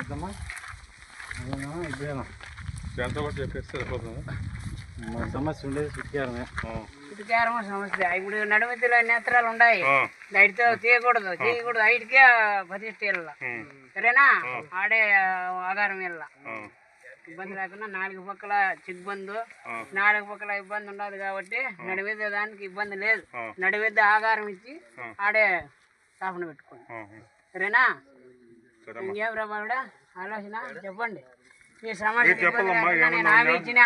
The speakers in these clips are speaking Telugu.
వద్దమ్మా ఇప్పుడేనా ఎంత కూడా చెప్పేసి సరిపోతుంది. మా సమస్య ఉండేది చుట్టుకారమ సమస్య. ఇప్పుడు నడుమతిలో నేత్రాలు ఉన్నాయి, నైట్తో తీయకూడదు ఐటికే ప్రతిష్ట సరేనా. ఆడే ఆధారం వెళ్ళ ఇబ్బంది లేకుండా నాలుగు పక్కల చిగ్బందు, నాలుగు పక్కల ఇబ్బంది ఉండదు కాబట్టి నడివేద్ద దానికి ఇబ్బంది లేదు. నడివేద్ద ఆధారం ఇచ్చి ఆడే స్థాపన పెట్టుకోండి సరేనా. ఇంకేం రాబాడా ఆలోచన చెప్పండి. మీ సమస్య నేను హామీ ఇచ్చిన.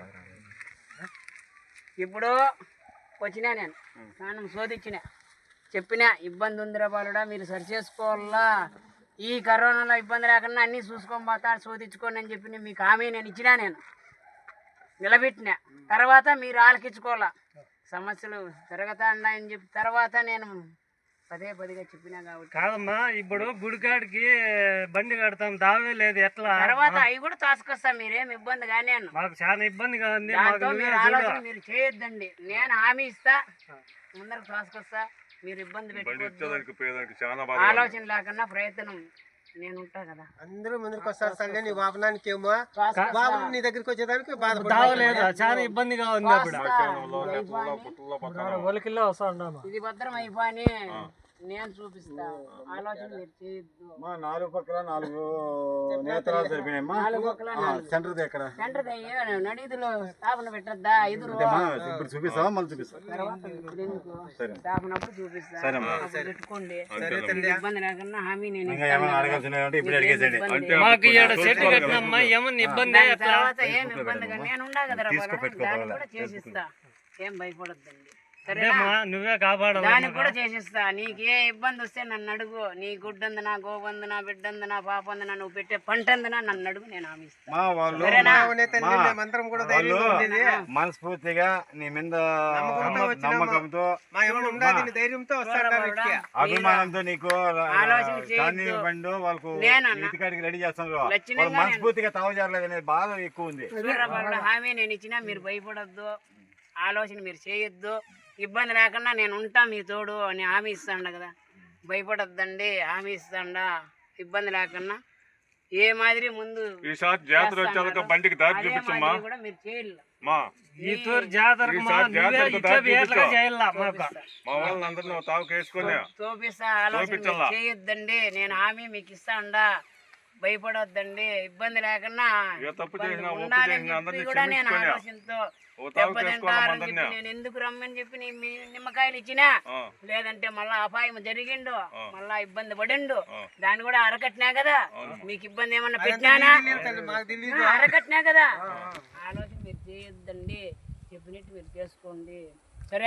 ఇప్పుడు వచ్చినా నేను స్నానం శోధించిన, చెప్పినా ఇబ్బంది ఉందిరా బాలుడా మీరు సరి చేసుకోవాలా, ఈ కరోనాలో ఇబ్బంది లేకుండా అన్నీ చూసుకొని పోతా శోధించుకోండి అని చెప్పి మీకు హామీ నేను ఇచ్చినా. నేను నిలబెట్టిన తర్వాత మీరు ఆలకించుకోవాలా, సమస్యలు జరుగుతాయని చెప్పి తర్వాత నేను పదిగా చెప్పినా కాబట్టి. కాదమ్మా ఇప్పుడు గుడికాడికి బండి కడతాం దావే లేదు ఎట్లా, తర్వాత అవి కూడా తోసుకొస్తా, మీరేం ఇబ్బంది కానీ మాకు చాలా ఇబ్బందిగా ఉంది. మీరు ఆలోచన మీరు చేయొద్దండి, నేను హామీ ఇస్తా, ముందరకు తోసుకొస్తా, మీరు ఇబ్బంది పెట్టుకోవద్దు. ఆలోచన లేకుండా ప్రయత్నం నేను ఉంటా కదా. అందరూ ముందరికి వస్తారు సండే నీ వాపనానికి ఏమో బాబు నీ దగ్గరికి వచ్చేదానికి బాధపడలేదు, చాలా ఇబ్బందిగా ఉంది. ఇది భద్రం అయిపోయి నేను చూపిస్తా, ఆలోచన మీరు చేయొద్దు. నాలుగు పక్కల నాలుగు నేత్రాలు సరిపోయినాయమ్మా. సెంటర్ ఎక్కడ నడిదిలో స్థాపన పెట్టద్దా? ఇప్పుడు చూపిస్తావా మళ్ళీ చూపిస్తా స్థాపన అప్పుడు చూపిస్తా, పెట్టుకోండి ఇబ్బంది లేకుండా హామీ నేను తర్వాత ఏం ఇబ్బందిగా నేను ఉండా కదరా, దాన్ని కూడా చేసిస్తా, ఏం భయపడద్దండి నువ్వే కాపాడు. దానికి కూడా చేసిస్తా. నీకే ఇబ్బంది వస్తే నన్ను అడుగు, నీ గుడ్డందునా గోబందునా బిడ్డందునా పాపందునా నువ్వు పెట్టే పంటందునా నన్ను అడుగు, నేను హామీ ఇస్తాను. మనస్ఫూర్తిగా నీ మీద నమ్మకంతో అభిమానంతో నీకు వాళ్ళకు ఇంటికాడికి రెడీ చేస్తాను. మనస్ఫూర్తిగా తావజారలేదు అనేది బాధ ఎక్కువ ఉంది. హామీ నేను ఇచ్చినా మీరు భయపడొద్దు, ఆలోచన మీరు చేయొద్దు, ఇబ్బంది లేకుండా నేను ఉంటా మీ తోడు అని హామీ ఇస్తాండ కదా. భయపడొద్దండి, హామీ ఇస్తాండా, ఇబ్బంది లేకుండా ఏ మాదిరి ముందు బండికి దారి చూపించమ్మా. కూడా మీరు చేయాలి. చూపిస్తా, ఆలోచన చేయొద్దండి, నేను హామీ మీకు ఇస్తాండా, భయపడొద్దండి, ఇబ్బంది లేకుండా ఉండాలని కూడా నేను ఆలోచనతో నేను ఎందుకు రమ్మని చెప్పి నిమ్మకాయలు ఇచ్చినా, లేదంటే మళ్ళా అపాయం జరిగిండు, మళ్ళా ఇబ్బంది పడిండు, దాన్ని కూడా అరకట్నా కదా. మీకు ఇబ్బంది ఏమన్నా పెట్టినానా? అరకట్నా కదా. ఆలోచన మీరు చేయొద్దండి, చెప్పినట్టు మీరు చేసుకోండి.